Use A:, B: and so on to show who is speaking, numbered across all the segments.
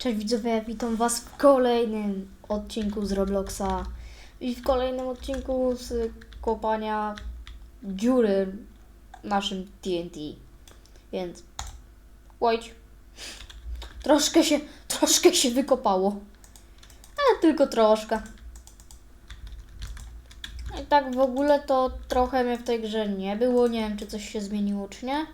A: Cześć widzowie, witam was w kolejnym odcinku z Robloxa i w kolejnym odcinku z kopania dziury naszym TNT. Więc łojdź. Troszkę się wykopało. Ale tylko troszkę. I tak w ogóle to trochę mnie w tej grze nie było. Nie wiem, czy coś się zmieniło, czy nie.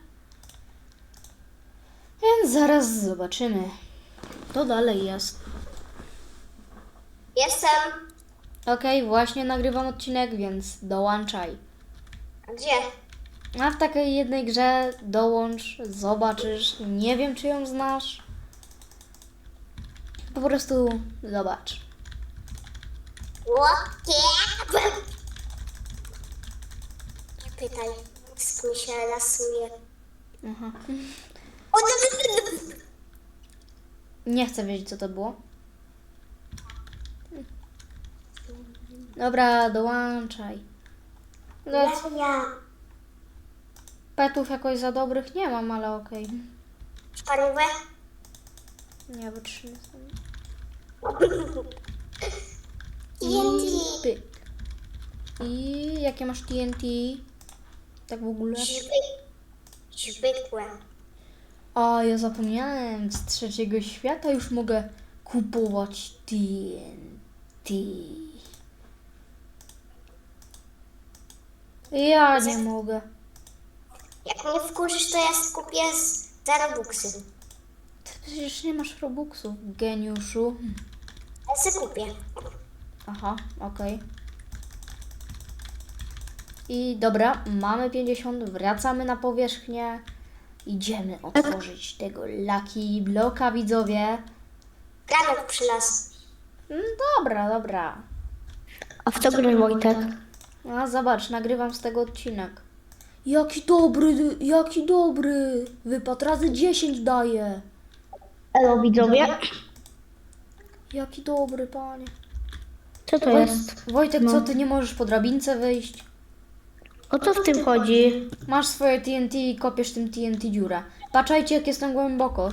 A: Więc zaraz zobaczymy. To dalej jest.
B: Jestem.
A: Okej, właśnie nagrywam odcinek, więc dołączaj.
B: A gdzie?
A: A w takiej jednej grze dołącz, zobaczysz. Nie wiem, czy ją znasz. Po prostu zobacz.
B: Łokie. Nie pytaj, mózg mi się lasuje.
A: Aha.
B: O,
A: Nie chcę wiedzieć, co to było. Dobra, dołączaj.
B: ja.
A: Petów jakoś za dobrych nie mam, ale okej.
B: Parówę?
A: Nie wytrzymam. I
B: TNT.
A: pyk. I jakie masz TNT? Tak w ogóle?
B: Zwykłe.
A: A, ja zapomniałem, z trzeciego świata już mogę kupować TNT. Ja nie mogę.
B: Jak mnie wkurzysz, to ja skupię za Robuxy.
A: Ty przecież nie masz Robuxów, geniuszu.
B: Ja se kupię.
A: Aha, okej. I dobra, mamy 50, wracamy na powierzchnię. Idziemy otworzyć tego Lucky Blocka, widzowie.
B: Granek przylazł.
A: Dobra.
C: A w co grasz, Wojtek?
A: A zobacz, nagrywam z tego odcinek. Jaki dobry. Wypad razy 10 daje.
C: Elo, widzowie.
A: Jaki dobry, panie.
C: Co to jest?
A: Wojtek, co ty nie możesz po drabince wyjść?
C: O co w tym chodzi?
A: Masz swoje TNT i kopiesz tym TNT dziurę. Patrzajcie, jak jestem głęboko.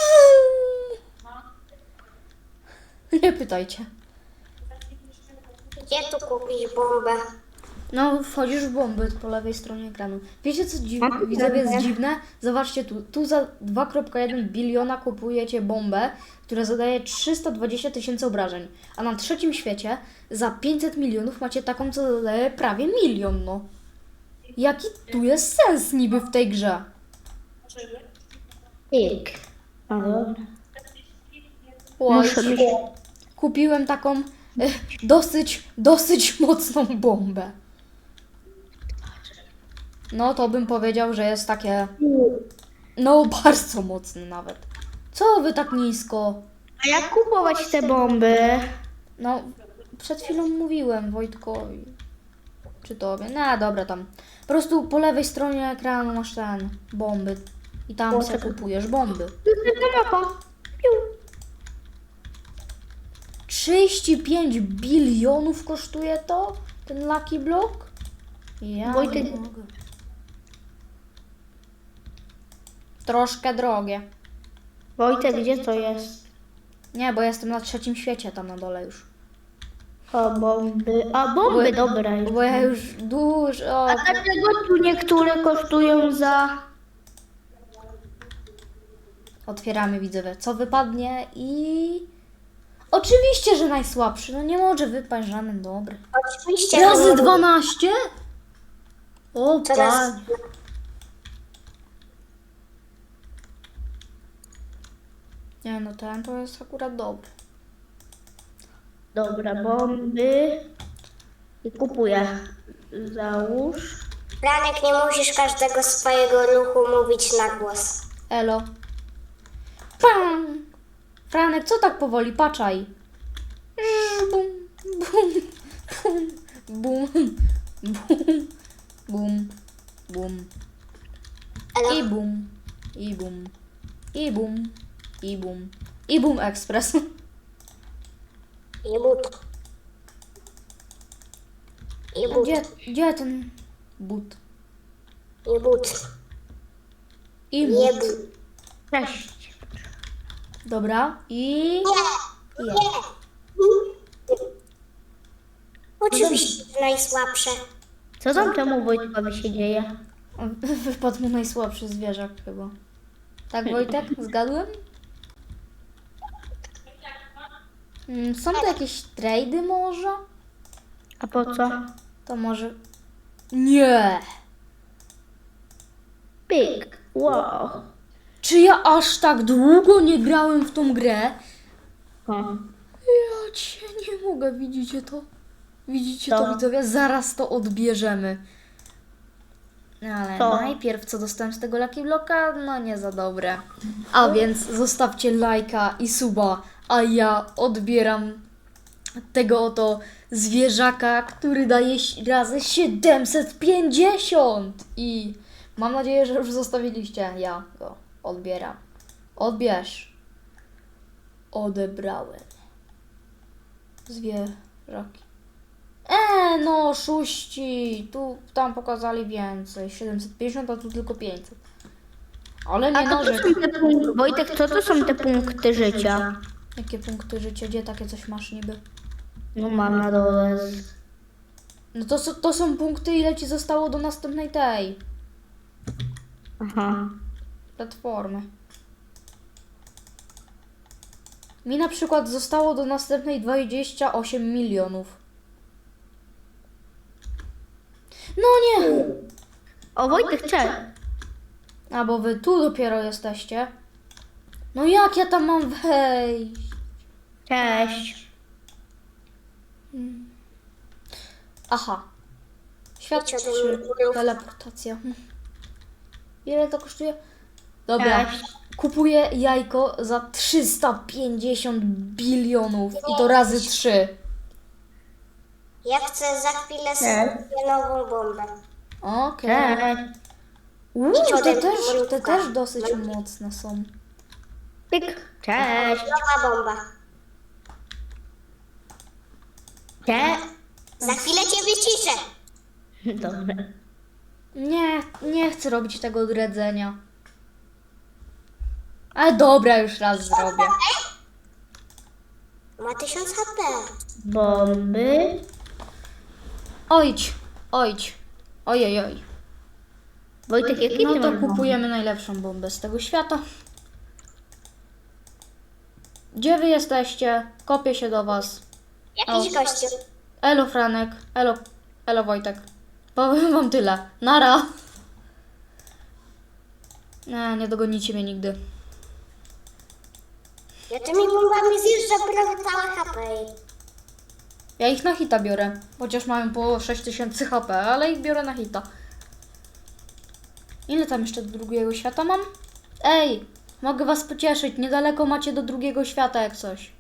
A: Nie pytajcie.
B: Gdzie tu kupić bombę?
A: No, wchodzisz w bomby po lewej stronie ekranu. Wiecie, co widzowie jest dziwne? Zobaczcie tu. Tu za 2,1 biliona kupujecie bombę, która zadaje 320 000 obrażeń. A na trzecim świecie za 500 milionów macie taką, co zadaje prawie 1 milion, no. Jaki tu jest sens niby w tej grze?
C: Pik. A dobra.
A: Oj,
C: Muszę mieć...
A: kupiłem taką dosyć mocną bombę. No to bym powiedział, że jest takie, no bardzo mocne nawet. Co wy tak nisko?
C: A jak kupować te bomby?
A: No, przed chwilą mówiłem Wojtkowi. Czy tobie? No dobra, tam. Po prostu po lewej stronie ekranu masz ten, bomby. I tam sobie kupujesz bomby.
C: Mapa.
A: 35 bilionów kosztuje to? Ten Lucky Block? Ja
C: Wojtek-
A: nie mogę. Troszkę drogie.
C: Wojtek, gdzie to jest?
A: Nie, bo jestem na trzecim świecie tam na dole już.
C: O, bomby. A, bomby, dobra.
A: Bo ja już dużo...
C: A dlaczego tu niektóre kosztują za...
A: Otwieramy, widzowie, co wypadnie i... Oczywiście, że najsłabszy. No nie może wypaść żaden dobry.
B: Oczywiście.
A: Razy 12? O,
B: Teraz-
A: pan. Nie no, ten to jest akurat dobry.
C: Dobra, bomby. I kupuję. Załóż.
B: Franek, nie musisz każdego swojego ruchu mówić na głos.
A: Elo. Pam! Franek, co tak powoli? Patrzaj. Bum, bum, bum, bum, bum, bum.
B: Elo?
A: I bum, i bum, i bum, i bum. I bum ekspres.
B: I but. I but.
A: Gdzie ten but?
B: I but.
A: I
B: Nie
A: but.
B: but.
C: Cześć.
A: Dobra. I...
B: Nie,
A: Je.
B: nie. Oczywiście najsłabsze.
C: Co tam temu Wojtkowi się dzieje?
A: Wypadł mu najsłabszy zwierzak chyba. Tak, Wojtek? Zgadłem? Są to jakieś trady może?
C: A po co?
A: To może... Nie!
C: Pyk. Wow.
A: Czy ja aż tak długo nie grałem w tą grę?
C: O.
A: Ja cię nie mogę, widzicie to? Widzicie to,
C: Co?
A: widzowie? Zaraz to odbierzemy. Ale
C: Co?
A: najpierw co dostałem z tego Lucky Blocka? No nie za dobre. A więc zostawcie lajka i suba, a ja odbieram tego oto zwierzaka, który daje razy 750 i mam nadzieję, że już zostawiliście. Ja go odbieram. Odbierz. Odebrałem. Zwierzaki. No, oszuści. Tam pokazali więcej. 750, a tu tylko 500. Ale
C: A
A: nie
C: to są
A: narzekam.
C: te punkty. Wojtek, co to są te punkty życia?
A: Jakie punkty życia? Gdzie takie coś masz niby?
C: No mam na dole.
A: No to są punkty, ile ci zostało do następnej tej
C: Aha.
A: platformy. Mi na przykład zostało do następnej 28 milionów. No nie!
C: O, Wojtek, cześć.
A: A bo wy tu dopiero jesteście. No jak ja tam mam wejść?
C: Cześć.
A: Aha. Świat
B: Idź ode
A: 3.
B: mnie.
A: Teleportacja. Ile to kosztuje? Dobra.
C: Cześć.
A: Kupuję jajko za 350 bilionów i to razy 3.
B: Ja chcę za chwilę sobie nową bombę.
A: Okej.
C: Cześć.
A: Te też dosyć mocne są.
C: Pyk. Cześć.
B: Nowa bomba.
C: Cześć.
B: Za chwilę cię wyciszę.
C: Dobra.
A: Nie chcę robić tego odredzenia. Ale dobra, już raz zrobię.
B: Ma 1000 HP.
C: Bomby.
A: Ojdź. Ojej.
C: Wojtek, jaki
A: No
C: ty
A: to
C: masz
A: kupujemy najlepszą bombę z tego świata. Gdzie wy jesteście? Kopię się do was.
B: Jakiś gościu.
A: Elo Franek, elo Wojtek. Powiem wam tyle. Nara. Nie dogonicie mnie nigdy.
B: Ja tymi bombami zjeżdżam prawie całe HP.
A: Ja ich na hita biorę. Chociaż mają po 6000 HP, ale ich biorę na hita. Ile tam jeszcze do drugiego świata mam? Ej, mogę was pocieszyć. Niedaleko macie do drugiego świata jak coś.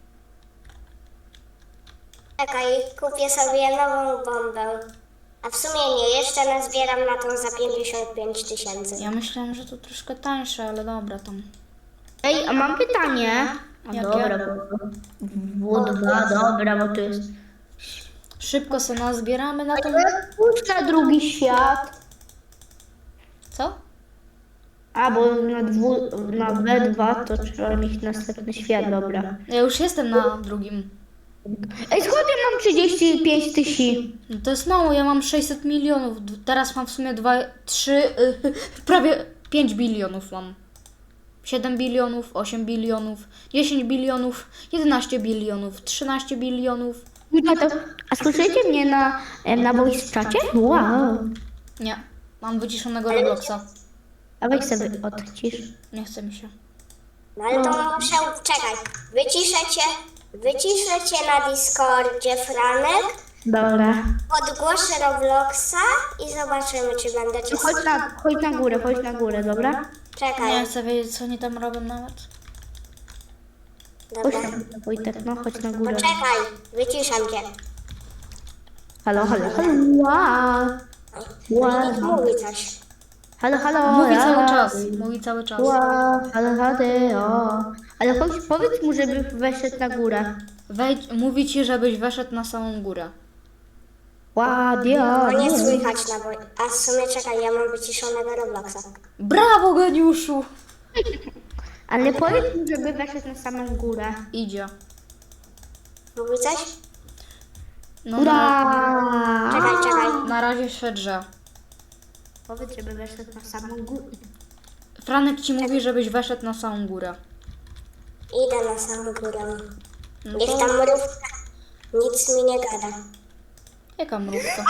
B: Czekaj, kupię sobie nową bombę. A w sumie nie, jeszcze nazbieram na tą za 55 000.
A: Ja myślałam, że to troszkę tańsze, ale dobra tam.
C: Ej, a mam pytanie. A
A: Jakie?
C: dobra, W2, dobra, bo to jest...
A: Szybko se nazbieramy na ten...
C: Pójdź na drugi świat.
A: Co?
C: A, bo na B2 to trzeba mieć następny świat, dobra.
A: Ja już jestem na drugim.
C: Ej, skąd ja mam 35 000?
A: No to jest mało, ja mam 600 milionów. Teraz mam w sumie 3, prawie 5 bilionów mam. 7 bilionów, 8 bilionów, 10 bilionów, 11 bilionów, 13 bilionów.
C: A słyszycie mnie na voice czacie? Wow.
A: Nie, mam wyciszonego Robloxa.
C: A weź sobie odcisz.
A: Nie chce mi się.
B: No ale to muszę, czekaj, wyciszę cię na Discordzie, Franek,
C: Dobra.
B: podgłoszę Robloxa i zobaczymy, czy będę cię
C: Chodź na górę, dobra?
B: Czekaj,
A: Nie chcę wiedzieć, co oni tam robią nawet.
C: Chodź
B: dobra.
C: na górę, Wojtek, no chodź na górę.
B: Poczekaj, wyciszam cię.
C: Halo. Wow.
B: Nikt mówi coś.
C: Halo.
A: Mówi
C: ja.
A: cały czas, mówi cały czas.
C: Wow. Halo, o. Ale powiedz mu, żeby weszedł na górę.
A: Mówi ci, żebyś weszedł na samą górę.
C: Ładnie.
B: No nie słychać na a w sumie czekaj, ja mam wyciszonego Robloxa.
A: Brawo, geniuszu!
C: Ale powiedz mi, żeby weszedł na samą górę.
A: Idzie.
B: Mówi coś?
A: No
C: Ura!
B: Czekaj.
A: na razie się drze.
C: Powiedz, żeby weszedł na samą górę.
A: Franek ci mówi, żebyś weszedł na samą górę.
B: Idę na samą górę.
A: No
B: Niech
A: to
B: tam mrówka nic mi nie gada.
A: jaka mrówka?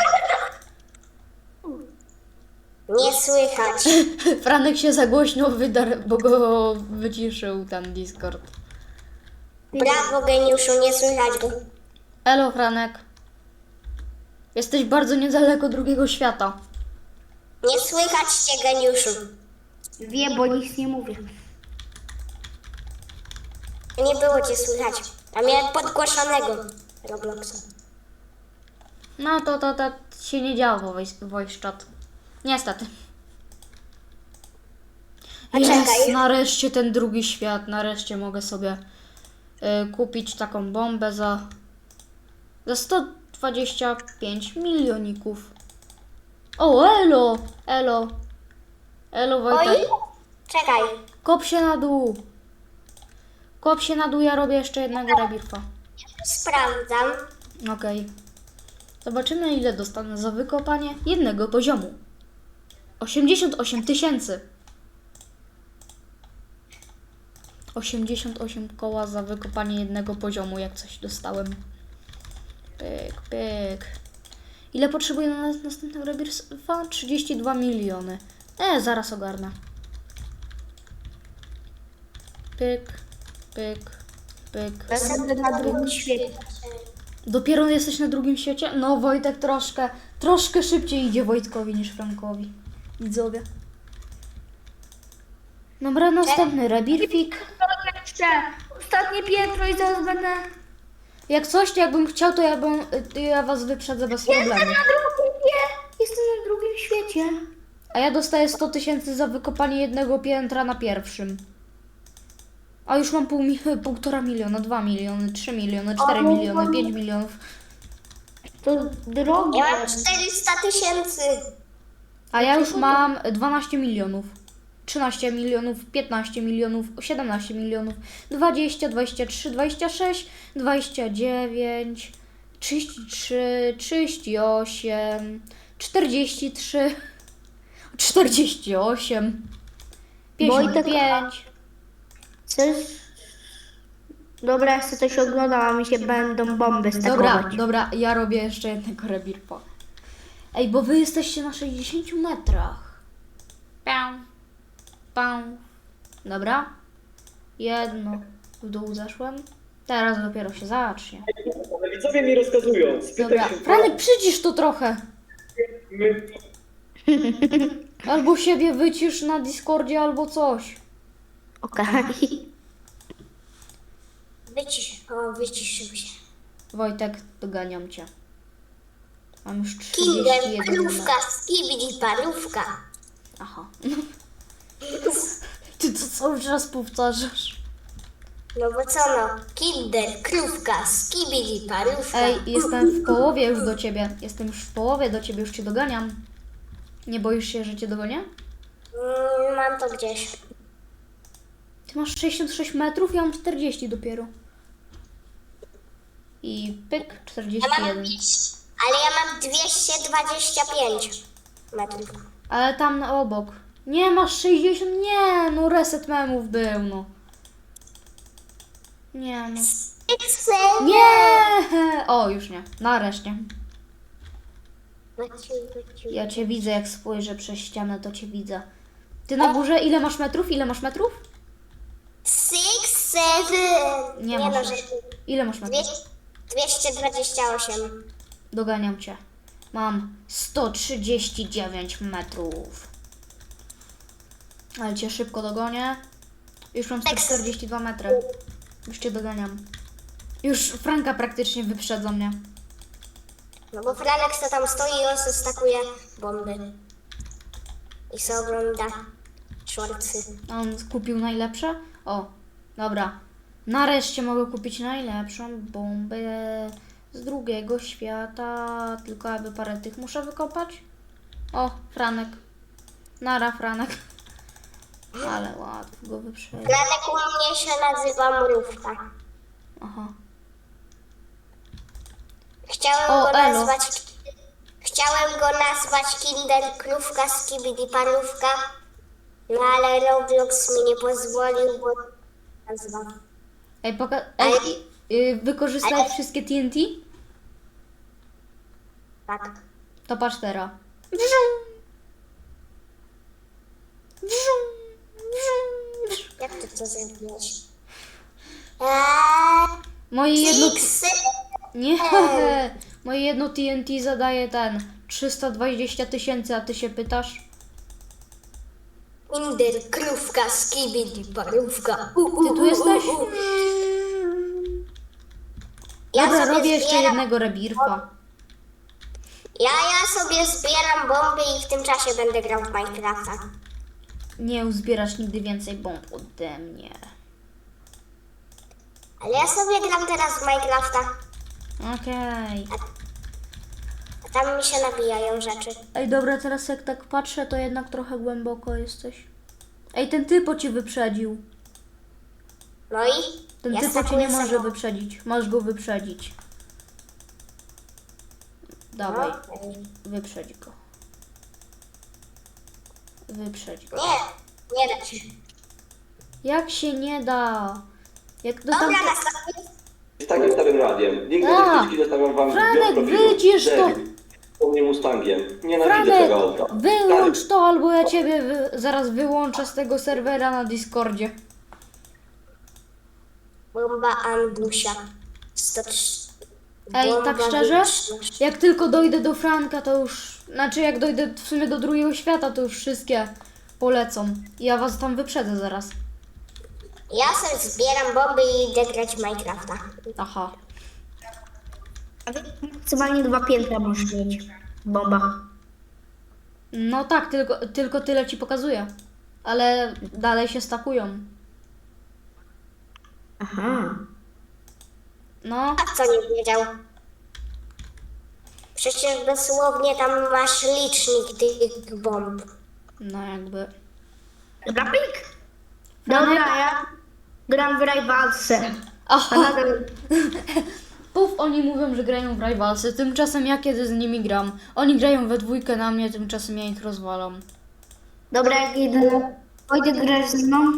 B: Nie słychać.
A: Franek się za głośno wydarł, bo go wyciszył ten Discord.
B: Brawo, geniuszu, nie słychać go.
A: Elo, Franek. Jesteś bardzo niedaleko drugiego świata.
B: Nie słychać cię, geniuszu.
C: Wie, bo nic nie mówię.
B: Nie było cię słychać. A miałem podgłoszonego Robloxa.
A: No to się nie działo voice chat. Niestety.
B: A
A: Jest,
B: czekaj.
A: nareszcie ten drugi świat. Nareszcie mogę sobie kupić taką bombę za 125 milioników. O, elo! Elo! Elo,
B: Oj,
A: Wojtek.
B: czekaj.
A: Kop się na dół. Kop się na dół, ja robię jeszcze jednego rebirfa.
B: Sprawdzam.
A: Okej. Zobaczymy, ile dostanę za wykopanie jednego poziomu. 88 000. 88 koła za wykopanie jednego poziomu, jak coś dostałem. Pyk, pyk. Ile potrzebuję na następnego rebirfa? 32 miliony. Zaraz ogarnę. Pyk, pyk, pyk.
C: Będę na drugim świecie.
A: Dopiero jesteś na drugim świecie? No, Wojtek troszkę szybciej idzie Wojtkowi niż Frankowi. Widzowie. Dobra, następny rebirfik.
C: Jeszcze ostatnie piętro i zaraz będę...
A: Jak coś, to jakbym chciał, to ja was wyprzedzę bez problemu.
C: Jestem na drugim świecie.
A: A ja dostaję 100 000 za wykopanie jednego piętra na pierwszym. A już mam 1,5 miliona, 2 miliony, 3 miliony, 4 miliony, 5 milionów.
C: To drogie.
B: Ja mam 400 000.
A: A ja już mam 12 milionów. 13 milionów, 15 milionów, 17 milionów, 20, 23, 26, 29, 33, 38, 43, 48, 55.
C: Chcesz? Dobra, ja chcę coś oglądam, a mi się będą bomby stakować.
A: Dobra, ja robię jeszcze jednego rebirfa. Ej, bo wy jesteście na 60 metrach. Pał. Pał. Dobra. Jedno. W dół zeszłem. Teraz dopiero się zacznie.
D: Ale widzowie mi rozkazują. Spytaj
A: Dobra.
D: się.
A: Franek, przycisz to trochę.
D: My...
A: Albo siebie wycisz na Discordzie, albo coś.
C: Okej.
B: Wyciszył się.
A: Wojtek, doganiam cię. Mam już
B: Kinder,
A: 31
B: parówka,
A: metrów.
B: skibidi, parówka.
A: Aha. Ty to cały czas powtarzasz.
B: No bo co no? Kinder, krówka, skibidi, parówka.
A: Ej, jestem w połowie już do ciebie. Jestem już w połowie do ciebie, już cię doganiam. Nie boisz się, że cię dogonię?
B: Mam to gdzieś.
A: Ty masz 66 metrów, ja mam 40 dopiero. I pyk,
B: Ja mam
A: 41.
B: ale ja mam 225 metrów.
A: Ale tam na obok. Nie, masz 60, nie, no reset memów był, no. Nie, no.
B: Excel.
A: Nie! O, już nie. Nareszcie.
B: Maciu.
A: Ja cię widzę, jak spojrzę przez ścianę, to cię widzę. Ty na górze, ile masz metrów? Ile masz metrów?
B: 6, 7.
A: Nie
B: no,
A: masz.
B: że
A: Ile masz metrów?
B: 228.
A: Doganiam cię. Mam 139 metrów. Ale cię szybko dogonię. Już mam 142 metry. Już cię doganiam. Już Franka praktycznie wyprzedza mnie.
B: No bo Franek to tam stoi i on se stakuje bomby. I se ogląda shortsy.
A: A on kupił najlepsze? O, dobra. Nareszcie mogę kupić najlepszą bombę z drugiego świata. Tylko aby parę tych muszę wykopać. O, Franek. Nara, Franek. Ale łatwo go wyprzedzić.
B: Franek u mnie się nazywa Mrówka.
A: Aha.
B: Chciałem go nazwać Kinder Krówka Skibidi Parówka, no ale Roblox mi nie pozwolił, bo nazwa.
A: Wykorzystałeś wszystkie TNT?
B: Tak.
A: To patrz teraz.
B: Jak ty to zrobiłeś?
A: Moje jedno...
B: Kiksy?
A: Nie, moje jedno TNT zadaje 320 000, a ty się pytasz?
B: Kinder Krówka Skibidi Parówka.
A: Ty tu jesteś?
B: Ja
A: Dobra,
B: sobie
A: robię jeszcze
B: zbieram-
A: jednego rebirfa.
B: Ja sobie zbieram bomby i w tym czasie będę grał w Minecrafta.
A: Nie uzbierasz nigdy więcej bomb ode mnie.
B: Ale ja sobie gram teraz w Minecrafta,
A: Okej.
B: a tam mi się nabijają rzeczy.
A: Ej, dobra, teraz jak tak patrzę, to jednak trochę głęboko jesteś. Ej, ten typo cię wyprzedził.
B: No i?
A: Ten
B: ja
A: typo cię
B: stakuję
A: nie może
B: sobie-
A: wyprzedzić. Masz go wyprzedzić. Dawaj,
B: No.
A: wyprzedź go. Wyprzedź go.
B: Nie, nie da się.
A: Jak się nie da? Jak do tam...
B: Dobra, nastawię.
D: Z takim starym radiem. Link do
A: A,
D: dyskusji zostawiam wam w
A: Franek,
D: profilu.
A: wyjdziesz to!
D: Debil. Po mnie Mustangiem. Nienawidzę
A: Franek,
D: tego auta.
A: wyłącz to, albo ja ciebie zaraz wyłączę z tego serwera na Discordzie.
B: Bomba Andusia. 103.
A: Ej,
B: Bomba
A: tak szczerze?
B: wieczność.
A: Jak tylko dojdę do Franka, to już... Znaczy, jak dojdę w sumie do drugiego świata, to już wszystkie polecą. I ja was tam wyprzedzę zaraz.
B: Ja sobie zbieram bomby i idę grać w Minecrafta.
A: Aha.
C: Maksymalnie 2 piętra możesz mieć w bombach.
A: No tak, tylko tyle ci pokazuję. Ale dalej się stakują.
C: Aha.
A: No,
B: A co nie wiedział? Przecież dosłownie tam masz licznik tych bomb.
A: no jakby...
C: Dobra, pik. Dobra, ja gram w Rivalsy. A
A: Aha,
C: nadal...
A: puf, oni mówią, że grają w Rivalsy. Tymczasem ja kiedy z nimi gram? Oni grają we dwójkę na mnie, tymczasem ja ich rozwalam.
C: Dobra, jak idę. Wojtek, grasz ze mną?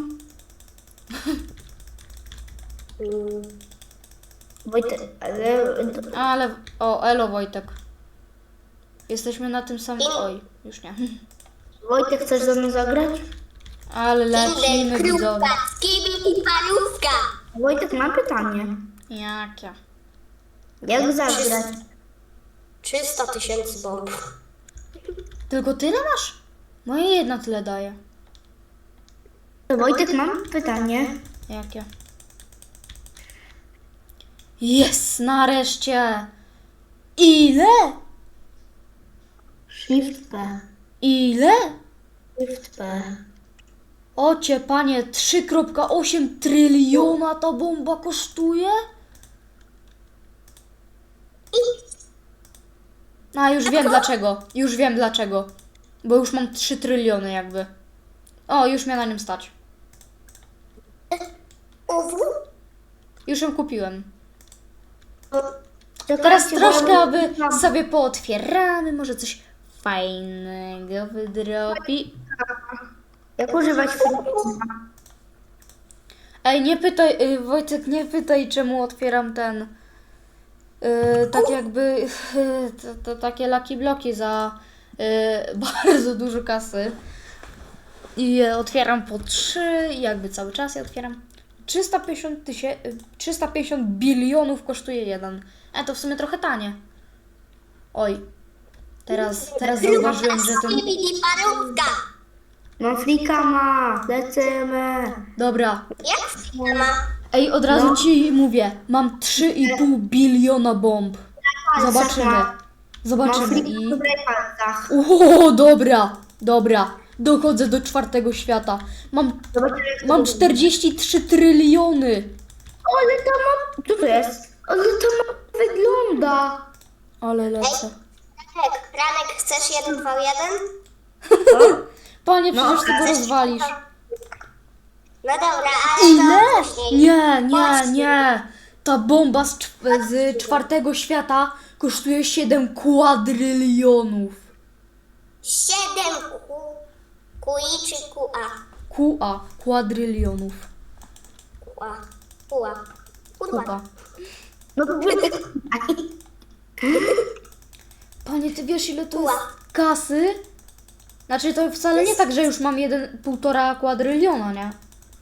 C: Wojtek, ale...
A: Ale... O, elo Wojtek. Jesteśmy na tym samym... Oj, już nie.
C: Wojtek, chcesz ze mną zagrać?
A: Ale lecimy, widzowie.
B: Krówka, skibidi parówka.
C: Wojtek, mam pytanie.
A: Jakie?
C: Jak zagrać?
B: 300 000 bomb.
A: Tylko tyle masz? Moje jedna tyle daje.
C: Wojtek, mam pytanie.
A: Jakie? Jest, nareszcie! Ile?
C: Shift P.
A: Ile?
C: Shift P.
A: Ocie, panie, 3,8 tryliona ta bomba kosztuje? A, już wiem dlaczego. Już wiem dlaczego. Bo już mam 3 tryliony jakby. O, już mnie na nim stać. Już ją kupiłem. Teraz troszkę, aby sobie pootwieramy, może coś fajnego wydropi.
C: Jak używać
A: Ej, nie pytaj, Wojtek, nie pytaj, czemu otwieram ten, tak jakby, to takie lucky bloki za bardzo dużo kasy. I je otwieram po 3, i jakby cały czas je otwieram. 350 bilionów kosztuje jeden. To w sumie trochę tanie. Oj, teraz zauważyłem, że ten...
B: Skibidi parówka.
C: No flika ma, lecimy.
A: Dobra,
B: Jak ma?
A: ej, od razu ci mówię, mam 3,5 biliona bomb. Zobaczymy.
C: Mam
A: Zobaczymy
C: flika
A: i...
C: w palcach.
A: O, dobra. Dochodzę do 4. świata. Mam 43 tryliony.
C: Ale to ma... Co to jest? Ale to ma... wygląda.
A: Ale lecę.
B: Franek, chcesz 1v1?
A: Panie, przecież ty go rozwalisz.
B: No dobra, ale
A: Ile?
B: to później.
A: Nie. Ta bomba z czwartego świata kosztuje 7 kwadrylionów.
B: 7 QI czy QA?
A: QA, kwadrylionów.
B: QA.
A: Kupa.
C: No to
A: Panie, ty wiesz ile to jest kasy? Znaczy to wcale nie tak, że już mam 1,5 kwadryliona, nie?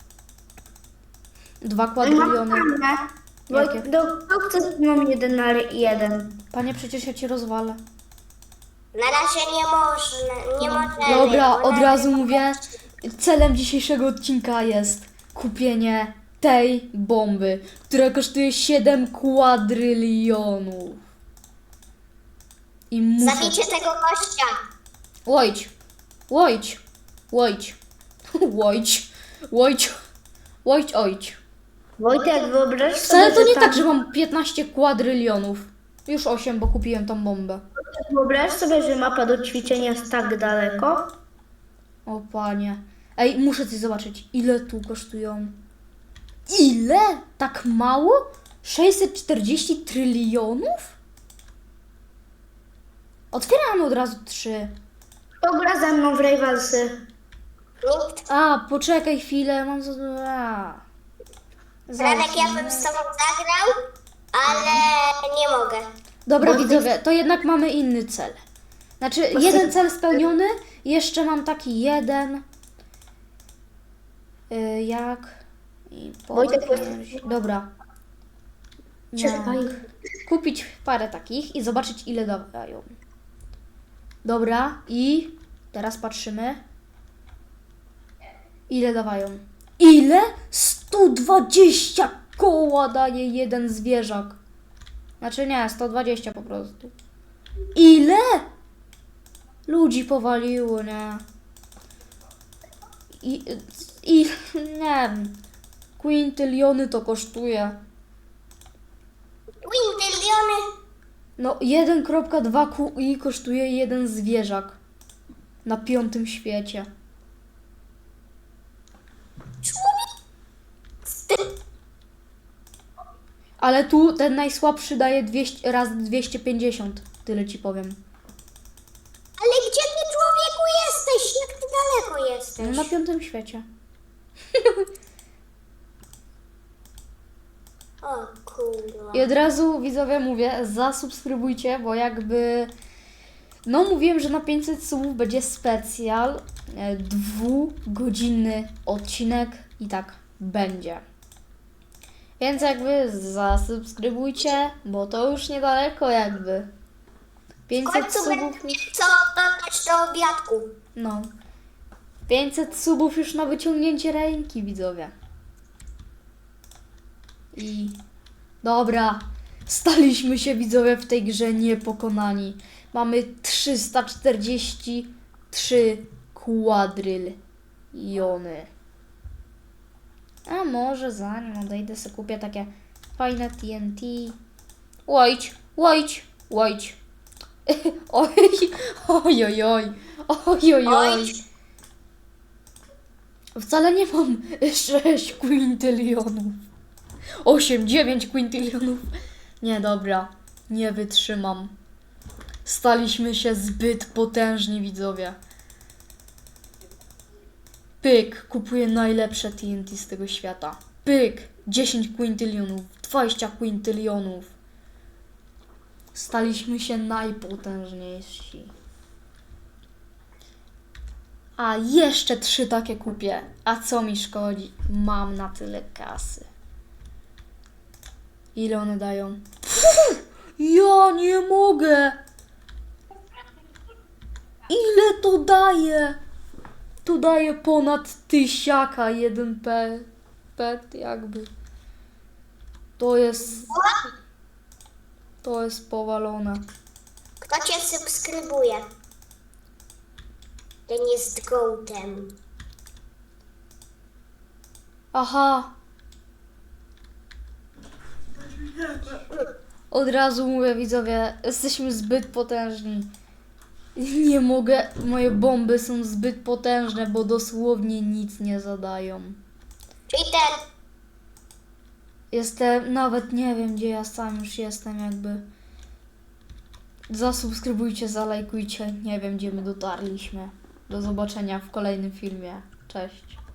A: 2 kwadryliony.
C: Bo
A: Jakie?
C: kto chce ze mną 1 na 1?
A: Panie, przecież ja cię rozwalę.
B: Na razie nie można, nie możemy.
A: Dobra,
B: bo
A: od
B: na-
A: razu mówię, celem dzisiejszego odcinka jest kupienie tej bomby, która kosztuje 7 kwadrylionów. I muszę...
B: Zabijcie tego gościa.
A: Łojdź.
C: Wojtek, wyobraź
A: Wcale
C: sobie,
A: to nie
C: że
A: tak, że mam 15 kwadrylionów. Już 8, bo kupiłem tą bombę.
C: Wyobraź sobie, że mapa do ćwiczenia jest tak daleko.
A: O panie. Ej, muszę coś zobaczyć. Ile tu kosztują? Ile? Tak mało? 640 trylionów? Otwieram od razu 3.
C: Kto gra ze mną w Rivalsy?
B: Nikt.
A: A, poczekaj chwilę, mam za...
B: Franek, ja bym z tobą zagrał, ale nie mogę.
A: Dobra widzowie, to jednak mamy inny cel. Znaczy, jeden cel spełniony, jeszcze mam taki jeden. Jak? I
C: Wojtek,
A: Dobra.
C: Czekaj.
A: Kupić parę takich i zobaczyć ile dają. Dobra, i teraz patrzymy. Ile dawają? Ile? 120 koła daje jeden zwierzak. Znaczy nie, 120 po prostu. Ile? Ludzi powaliło, nie? I nie wiem. Quintyliony to kosztuje.
B: Quintyliony.
A: No 1,2 QI kosztuje jeden zwierzak. Na 5. świecie. Ale tu ten najsłabszy daje 200, raz 250. Tyle ci powiem.
B: Ale gdzie ty, człowieku, jesteś? Jak ty daleko jesteś?
A: Na 5. świecie.
B: O kurwa.
A: I od razu widzowie mówię, zasubskrybujcie, bo jakby... No mówiłem, że na 500 subów będzie specjal, 2-godzinny odcinek i tak będzie. Więc jakby zasubskrybujcie, bo to już niedaleko jakby.
B: W
A: 500
B: końcu
A: subów
B: będę
A: już...
B: miał co dodać do obiadku.
A: No. 500 subów już na wyciągnięcie ręki, widzowie. I... Dobra. Staliśmy się, widzowie, w tej grze niepokonani. Mamy 343 kwadryliony. A może zanim odejdę, sobie kupię takie fajne TNT. Łojdź. Oj. Wcale nie mam 6 kwintylionów. 8, 9 kwintylionów. Nie, dobra. Nie wytrzymam. Staliśmy się zbyt potężni, widzowie. Pyk, kupuję najlepsze TNT z tego świata. Pyk, 10 kwintylionów, 20 kwintylionów. Staliśmy się najpotężniejsi. A jeszcze 3 takie kupię. A co mi szkodzi? Mam na tyle kasy. Ile one dają? Ja nie mogę! Ile to daje? To daje ponad 1000 jeden pet jakby. To jest powalone.
B: Kto cię subskrybuje? Ten jest gołtem.
A: Aha. Od razu mówię, widzowie, jesteśmy zbyt potężni. Nie mogę, moje bomby są zbyt potężne, bo dosłownie nic nie zadają.
B: Cheater.
A: Jestem, nawet nie wiem gdzie ja sam już jestem jakby. Zasubskrybujcie, zalajkujcie. Nie wiem gdzie my dotarliśmy. Do zobaczenia w kolejnym filmie. Cześć.